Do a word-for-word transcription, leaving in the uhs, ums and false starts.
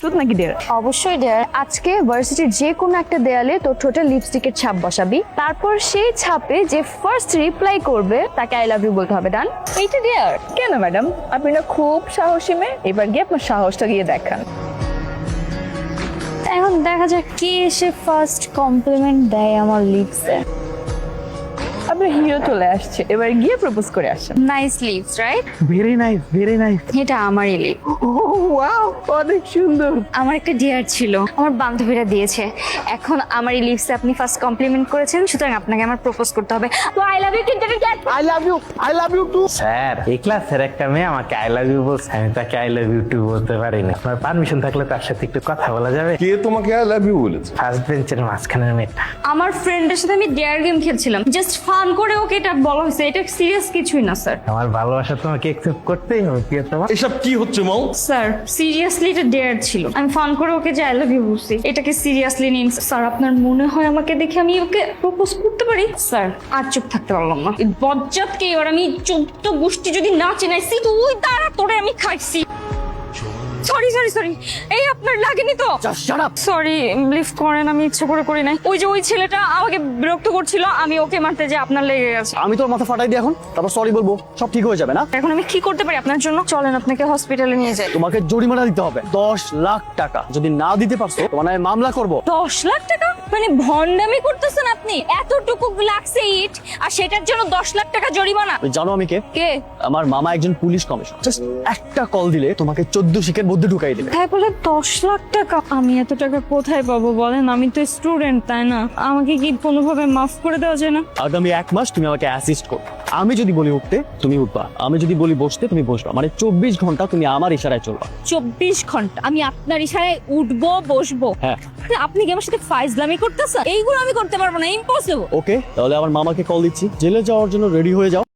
প্রস্তুত নাকি ডেয়ার? অবশ্যই ডেয়ার। আজকে ভার্সিটির যে কোনো একটা দেয়ালে তোর ঠোঁটে লিপস্টিকের ছাপ বসাবি, তারপর সেই ছাপে যে ফার্স্ট রিপ্লাই করবে তাকে আই লাভ ইউ বলতে হবে। ডান? এইটা ডেয়ার কেন ম্যাডাম? আপনি না খুব সাহসী মেয়ে, এবার গিয়ে আপনার সাহসটা গিয়ে দেখান। এখন দেখা যাক কে এসে ফার্স্ট কমপ্লিমেন্ট দেয় আমার লিপসে। আপনার হিরো চলে আসছে, এবার গিয়ে প্রপোজ করে আসেন। Nice lips, right? Very nice, very nice. এটা আমারই লিপ। ওয়াও, অনেক সুন্দর। আমার একটা ডিয়ার ছিল, আমার বান্ধবীরা দিয়েছে। এখন আমার এই লিপসে আপনি ফার্স্ট কমপ্লিমেন্ট করেছেন, সুতরাং আপনাকে আমার প্রপোজ করতে হবে। তো আই লাভ ইউ কিন্তু I love you, I love you too. Sir, এই ক্লাসের একটা মেয়ে আমাকে আই লাভ ইউ বলছে, আমি তাকে আই লাভ ইউ টু বলতে পারি না। আপনার পারমিশন থাকলে তার সাথে একটু কথা বলা যাবে? কে তোমাকে আই লাভ ইউ বলেছে? ফার্স্ট বেঞ্চের মাঝখানের মেয়েটা। আমার ফ্রেন্ডের সাথে আমি ডেয়ার গেম খেলছিলাম, জাস্ট ফান করে ওকে এটা বলা হয়েছে, এটা সিরিয়াস কিছুই না স্যার। আমার ভালোবাসা তোমাকে একসেপ্ট করতেই হবে। কি তোমার এসব কি হচ্ছে মাও? স্যার সিরিয়াসলি এটা ডেয়ার ছিল, আমি ফান করে ওকে যে আই লাভ ইউ বলছি, এটাকে সিরিয়াসলি নিন স্যার। আপনার মনে হয় আমাকে দেখে আমি ওকে প্রপোজ করতে পারি? স্যার আর চুপ থাকতে পারলাম না, এই বজ্জাতকে এবার আমি চোদ্দ গোষ্ঠী যদি না চেনাইছি তুই তারা তোরে আমি খাইছি। সরি সরি সরি, এই আপনার লাগেনি তো? সরি, লিফট করেন, আমি ইচ্ছে করে করি নাই। ওই যে ওই ছেলেটা আমাকে বিরক্ত করছিল, আমি ওকে মারতে যে আপনার লেগে গেছে। আমি তোর মাথা ফাটাই দিই এখন, তারপর সরি বলবো, সব ঠিক হয়ে যাবে না? এখন আমি কি করতে পারি আপনার জন্য? চলেন আপনাকে হসপিটালে নিয়ে যাই। তোমাকে জরিমানা দিতে হবে দশ লাখ টাকা। যদি না দিতে পারছো তোমার নামে মামলা করব। দশ লাখ টাকা? মানে ভন্ডামি করতেছেন আপনি? এতটুকু লাগছে ইট আর সেটার জন্য দশ লাখ টাকা জরিমানা? তুমি জানো আমি কে? কে? আমার মামা একজন পুলিশ কমিশনার। জাস্ট একটা কল দিলে তোমাকে চোদ্দ শিখের মধ্যে ঢুকাই দেবে। তাই বলে দশ লাখ টাকা? আমি এত টাকা কোথায় পাবো বলেন? আমি তো স্টুডেন্ট, তাই না? আমাকে কি কোনোভাবে মাফ করে দেওয়া যায় না? আগামী এক মাস তুমি আমাকে অ্যাসিস্ট করো। আমি যদি বলি উঠতে তুমি উঠবা, আমি যদি বলি বসতে তুমি বসবা। মানে চব্বিশ ঘন্টা তুমি আমার ইশারায় চলবা। চব্বিশ ঘন্টা আমি আপনার ইশারায় উঠবো বসবো? হ্যাঁ। আপনি কি আমার সাথে ফাইজলামি করতেছেন? এইগুলো আমি করতে পারবো না, ইম্পসিবল। ওকে, তাহলে আমার মামাকে কল দিচ্ছি, জেলে যাওয়ার জন্য রেডি হয়ে যাও।